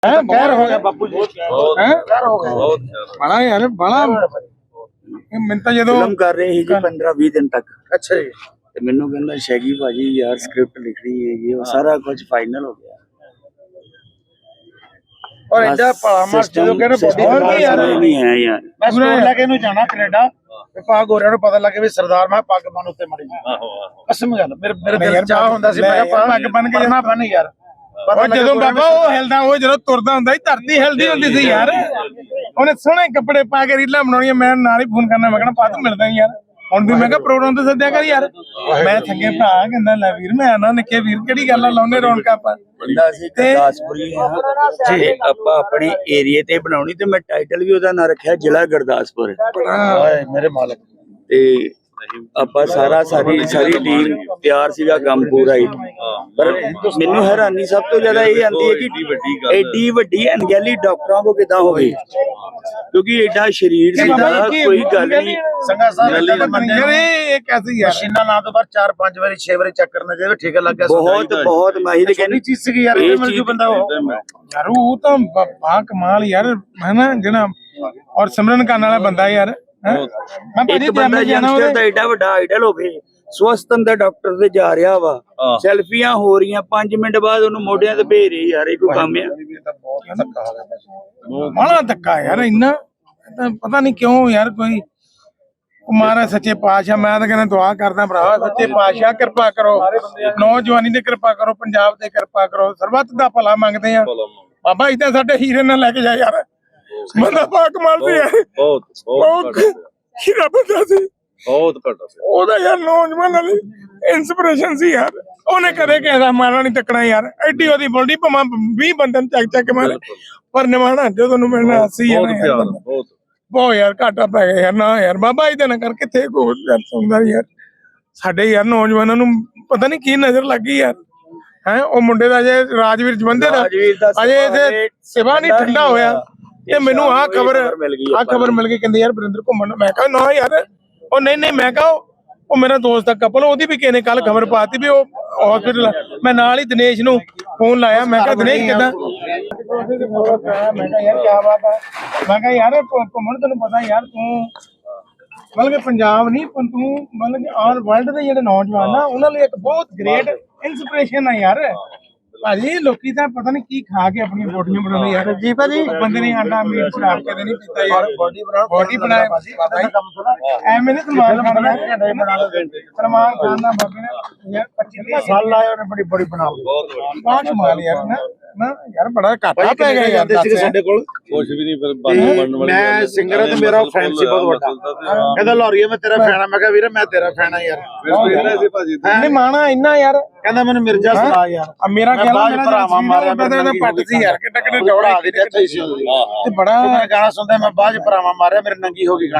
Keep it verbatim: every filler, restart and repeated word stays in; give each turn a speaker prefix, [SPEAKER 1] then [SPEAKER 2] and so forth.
[SPEAKER 1] गैर हो गया बापू जी, गैर हो गया बड़ा यार बड़ा मिनता जो
[SPEAKER 2] फिल्म कर रहे ही जी पंद्रह बीस दिन तक।
[SPEAKER 1] अच्छा जी
[SPEAKER 2] ਤੇ ਮੈਨੂੰ ਕਹਿੰਦਾ ਸ਼ੈਗੀ ਭਾਜੀ ਯਾਰ ਸਕ੍ਰਿਪਟ ਲਿਖਣੀ ਹੈਗੀ ਉਹ ਸਾਰਾ ਕੁਝ ਫਾਈਨਲ ਹੋ ਗਿਆ
[SPEAKER 1] और इधर परामर्श जो कहने बहुत ही यार
[SPEAKER 2] नहीं है यार
[SPEAKER 1] मैं स्टोर लेके नु जाना कनाडा ते पा गोरिया नु पता लगे भी सरदार मैं पग बन उत्ते मड़ी कसम गल मेरे मेरे दिल चाह हुंदा सी मैं पग बन के जाना बन यार
[SPEAKER 3] ਉਹ ਜਦੋਂ ਬਾਬਾ ਉਹ ਹਿਲਦਾ ਉਹ ਜਦੋਂ ਤੁਰਦਾ ਹੁੰਦਾ ਸੀ ਧਰਤੀ ਹਿਲਦੀ ਹੁੰਦੀ ਸੀ ਯਾਰ ਉਹਨੇ ਸੋਹਣੇ ਕੱਪੜੇ ਪਾ ਕੇ ਰੀਲਾਂ ਬਣਾਉਣੀਆਂ ਮੈਂ ਨਾਲ ਹੀ ਫੋਨ ਕਰਨਾ ਮੈਂ ਕਹਿਣਾ ਪਾ ਤੂੰ ਮਿਲਦਾ ਯਾਰ ਹੁਣ ਵੀ ਮੈਂ ਕਿਹਾ ਪ੍ਰੋਗਰਾਮ ਤੇ ਸੱਦਿਆ ਕਰ ਯਾਰ ਮੈਂ ਥੱਗੇ ਭਰਾ ਕਹਿੰਦਾ ਲੈ ਵੀਰ ਮੈਂ ਆਣਾ ਨਿੱਕੇ ਵੀਰ ਕਿਹੜੀ ਗੱਲ ਆ ਲਾਉਨੇ ਰੌਣਕਾਂ ਆਪਾਂ
[SPEAKER 2] ਬੰਦਾ ਸੀ ਗੁਰਦਾਸਪੁਰੀ ਹਾਂ ਜੀ ਆਪਾਂ ਆਪਣੇ ਏਰੀਏ ਤੇ ਬਣਾਉਣੀ ਤੇ ਮੈਂ ਟਾਈਟਲ ਵੀ ਉਹਦਾ ਨਾਂ ਰੱਖਿਆ ਜ਼ਿਲ੍ਹਾ ਗੁਰਦਾਸਪੁਰ
[SPEAKER 1] ਓਏ ਮੇਰੇ ਮਾਲਕ
[SPEAKER 2] ਤੇ ਆਪਾਂ ਸਾਰਾ ਸਾਰੀ ਸਾਰੀ ਟੀਮ ਤਿਆਰ ਸੀਗਾ ਕੰਮ ਪੂਰਾ ਹੀ ਪਰ ਮੈਨੂੰ ਹੈਰਾਨੀ ਸਭ ਤੋਂ ਜ਼ਿਆਦਾ ਇਹ ਆਂਦੀ ਹੈ ਕਿ ਐਡੀ ਵੱਡੀ ਅਣਗਹਿਲੀ ਡਾਕਟਰਾਂ ਕੋ ਕਿਦਾਂ ਹੋ ਗਈ ਕਿਉਂਕਿ ਐਡਾ ਸ਼ਰੀਰ ਸੀਗਾ ਕੋਈ ਗੱਲ ਨਹੀਂ
[SPEAKER 1] ਸੰਗਾ ਸਾਹਿਬ
[SPEAKER 3] ਯਾਰ ਇਹ ਕੈਸੀ ਯਾਰ
[SPEAKER 1] ਮਸ਼ੀਨਾਂ ਲਾ ਤੋਂ ਬਾਅਦ ਚਾਰ ਪੰਜ ਵਾਰੀ ਛੇ ਵਾਰੀ ਚੈੱਕ ਕਰਨਾ ਚਾਹੀਦਾ ਠੀਕ ਲੱਗ ਗਿਆ
[SPEAKER 2] ਬਹੁਤ ਬਹੁਤ ਮਾਹਿਰ ਕਹਿੰਦੀ
[SPEAKER 1] ਚੀਜ਼ ਸੀ ਯਾਰ ਇਹ ਮਿਲ ਜੂ ਬੰਦਾ ਉਹ
[SPEAKER 3] ਯਾਰ ਉਹ ਤਾਂ ਬਾ ਕਮਾਲ ਯਾਰ ਹੈ ਨਾ ਜਿਹੜਾ ਔਰ ਸਿਮਰਨ ਕਰਨ ਵਾਲਾ ਬੰਦਾ ਯਾਰ ਮੈਂ
[SPEAKER 2] ਇੱਕ ਬੰਦਾ ਯੰਗਸਟਰ ਦਾ ਐਡਾ ਵੱਡਾ ਆਈਡਲ ਹੋਵੇ ਸਵਸਥਨ ਦਾ ਡਾਕਟਰ ਤੇ ਜਾ ਰਿਹਾ ਵਾ ਸੈਲਫੀਆਂ ਹੋ ਰਹੀਆਂ ਪੰਜ ਮਿੰਟ ਬਾਅਦ ਉਹਨੂੰ ਮੋਢਿਆਂ ਤੇ ਭੇਜ ਰਹੀ ਯਾਰ ਇਹ ਕੋਈ ਕੰਮ ਆ
[SPEAKER 3] ਬੜਾ ਧੱਕਾ ਯਾਰ ਇੰਨਾ ਪਤਾ ਨਹੀਂ ਕਿਉਂ ਯਾਰ ਕੋਈ ਮਹਾਰਾਜ ਸੱਚੇ ਪਾਤਸ਼ਾਹ ਮੈਂ ਤਾਂ ਕਹਿੰਦਾ ਦੁਆ ਕਰਦਾ ਭਰਾ ਸੱਚੇ ਪਾਤਸ਼ਾਹ ਕਿਰਪਾ ਕਰੋ ਨੌਜਵਾਨੀ ਤੇ ਕਿਰਪਾ ਕਰੋ ਪੰਜਾਬ ਤੇ ਕਿਰਪਾ ਕਰੋ ਸਰਬੱਤ ਦਾ ਭਲਾ ਮੰਗਦੇ ਆ ਬਾਬਾ ਇਦਾਂ ਸਾਡੇ ਹੀਰੇ ਨਾਲ ਲੈ ਕੇ ਜਾ ਯਾਰ ਬੰਦਾ ਪਾਕ ਮਾਰਦੇ ਆ
[SPEAKER 4] ਬਹੁਤ ਬਹੁਤ
[SPEAKER 3] ਹੀਰਾ ਬੰਦਾ ਸੀ
[SPEAKER 4] ਬਹੁਤ ਘੱਟ ਸੀ
[SPEAKER 3] ਉਹਦਾ ਯਾਰ ਨੌਜਵਾਨ ਵਾਲੀ ਇਨਸਪੀਰੇਸ਼ਨ ਸੀ ਯਾਰ ਉਹਨੇ ਕਦੇ ਕਿਸੇ ਦਾ ਮਾਰਾ ਨਹੀਂ ਤੱਕਣਾ ਯਾਰ ਐਡੀ ਉਹਦੀ ਬੋਲਦੀ ਭਾਵੇਂ ਵੀਹ ਬੰਦਨ ਚੱਕ ਚੱਕ ਮਾਰੇ ਪਰ ਨਿਮਾਣਾ ਜਦੋਂ ਨੂੰ ਮਿਲਣਾ ਸੀ ਯਾਰ
[SPEAKER 4] ਬਹੁਤ
[SPEAKER 3] ਬਹੁਤ ਯਾਰ ਘਾਟਾ ਪੈ ਗਿਆ ਯਾਰ ਨਾ ਯਾਰ ਬਾਬਾ ਇਹਦੇ ਨਾਲ ਕਰ ਕਿੱਥੇ ਕੋਈ ਸੁਣਦਾ ਯਾਰ ਸਾਡੇ ਯਾਰ ਨੌਜਵਾਨਾਂ ਨੂੰ ਪਤਾ ਨਹੀਂ ਕੀ ਨਜ਼ਰ ਲੱਗੀ ਯਾਰ ਹੈ ਉਹ ਮੁੰਡੇ ਦਾ ਜੇ ਰਾਜਵੀਰ ਜਵੰਦੇ ਦਾ ਅਜੇ ਇਥੇ ਸਿਵਾ ਨਹੀਂ ਠੰਡਾ ਹੋਇਆ ਇਹ ਮੈਨੂੰ ਆਹ ਖਬਰ ਆਹ ਖਬਰ ਮਿਲ ਗਈ ਕਹਿੰਦੇ ਯਾਰ ਵਰਿੰਦਰ ਘੁੰਮਣ ਮੈਂ ਕਿਹਾ ਨਾ ਯਾਰ ਉਹ ਨਹੀਂ ਨਹੀਂ ਮੈਂ ਕਿਹਾ ਉਹ ਮੇਰਾ ਦੋਸਤ ਦਾ ਕਪਲ ਉਹਦੀ ਵੀ ਕਿਸੇ ਨੇ ਕੱਲ ਖਬਰ ਪਾਤੀ ਵੀ ਉਹ ਹਸਪੀਟਲ ਮੈਂ ਨਾਲ ਹੀ ਦਿਨੇਸ਼ ਨੂੰ ਫੋਨ ਲਾਇਆ ਮੈਂ ਕਿਹਾ ਦਿਨੇਸ਼ ਕਿੱਦਾਂ ਮੈਂ ਕਿਹਾ ਯਾਰ ਕੀ ਬਾਤ ਹੈ ਮੈਂ ਕਿਹਾ ਯਾਰ ਘੁੰਮਣ ਤੈਨੂੰ ਪਤਾ ਯਾਰ ਤੂੰ ਮਤਲਬ ਕਿ ਪੰਜਾਬ ਨਹੀਂ ਪਰ ਤੂੰ ਮਤਲਬ ਕਿ ਆਲ ਵਰਲਡ ਦੇ ਜਿਹੜੇ ਨੌਜਵਾਨ ਆ ਉਹਨਾਂ ਲਈ ਇੱਕ ਬਹੁਤ ਗ੍ਰੇਟ ਇਨਸਪੀਰੇਸ਼ਨ ਆ ਯਾਰ ਭਾਜੀ ਲੋਕੀ ਤਾਂ ਪਤਾ ਨਹੀਂ ਕੀ ਖਾ ਕੇ ਆਪਣੀਆਂ ਬੋਡੀਆਂ ਬਣਾਉਂਦੇ ਯਾਰ ਜੀ ਭਾਜੀ ਬੰਦੇ ਨੇ ਆਂਡਾ ਮੀਟ ਸ਼ਰਾਬ ਕਦੇ ਨਹੀਂ ਪੀਤਾ ਯਾਰ ਬੋਡੀ ਬਣਾਉ ਬੋਡੀ ਬਣਾਏ ਭਾਜੀ ਕੰਮ ਥੋੜਾ ਐਵੇਂ ਨਹੀਂ ਸਲਮਾਨ ਖਾਨ ਨੇ ਬਣਾ ਲਓ ਸਲਮਾਨ ਖਾਨ ਦਾ ਬਾਬੇ ਨੇ ਯਾਰ ਪੱਚੀ ਸਾਲ ਲਾਏ ਉਹਨੇ ਬੜੀ ਬੜੀ ਬਣਾ ਲਈ ਬਹੁਤ ਕਮਾਲ ਯਾਰ ਨਾ ਨਾ ਯਾਰ ਬੜਾ ਘਾਟਾ ਪੈ ਗਿਆ ਯਾਰ
[SPEAKER 1] ਸਾਡੇ ਕੋਲ
[SPEAKER 4] ਕੁਝ ਵੀ ਨਹੀਂ ਫਿਰ ਬਣਨ ਵਾਲੀ
[SPEAKER 1] ਮੈਂ ਸਿੰਗਰ ਤੇ ਮੇਰਾ ਫੈਨ ਸੀ ਬਹੁਤ ਵੱਡਾ ਕਹਿੰਦਾ ਲੋਰੀਆ ਮੈਂ ਤੇਰਾ ਫੈਨ ਆ ਮੈਂ ਕਿਹਾ ਵੀਰੇ ਮੈਂ ਤੇਰਾ ਫੈਨ ਆ ਯਾਰ
[SPEAKER 4] ਸੀ ਭਾਜੀ
[SPEAKER 3] ਨਹੀਂ ਮਾਣਾ ਇੰਨਾ ਯਾਰ
[SPEAKER 1] ਕਹਿੰਦਾ ਮੈਨੂੰ ਮਿਰਜ਼ਾ ਸੁਣਾ ਯਾਰ
[SPEAKER 3] ਆ ਮੇਰਾ ਕਹਿਣਾ ਮੇਰਾ
[SPEAKER 1] ਭਰਾਵਾਂ ਮਾਰਿਆ
[SPEAKER 3] ਮੈਂ ਪੱਟ ਸੀ ਯਾਰ ਕਿੱਡਾ ਕਿੱਡਾ ਜੋੜਾ
[SPEAKER 1] ਆ ਗਈ ਤੇ
[SPEAKER 3] ਤੇ ਬੜਾ
[SPEAKER 1] ਗਾਣਾ ਸੁਣਦਾ ਮੈਂ ਬਾਅਦ ਚ ਭਰਾਵਾਂ ਮਾਰਿਆ ਮੇਰੇ ਨੰਗੀ ਹੋ ਗਈ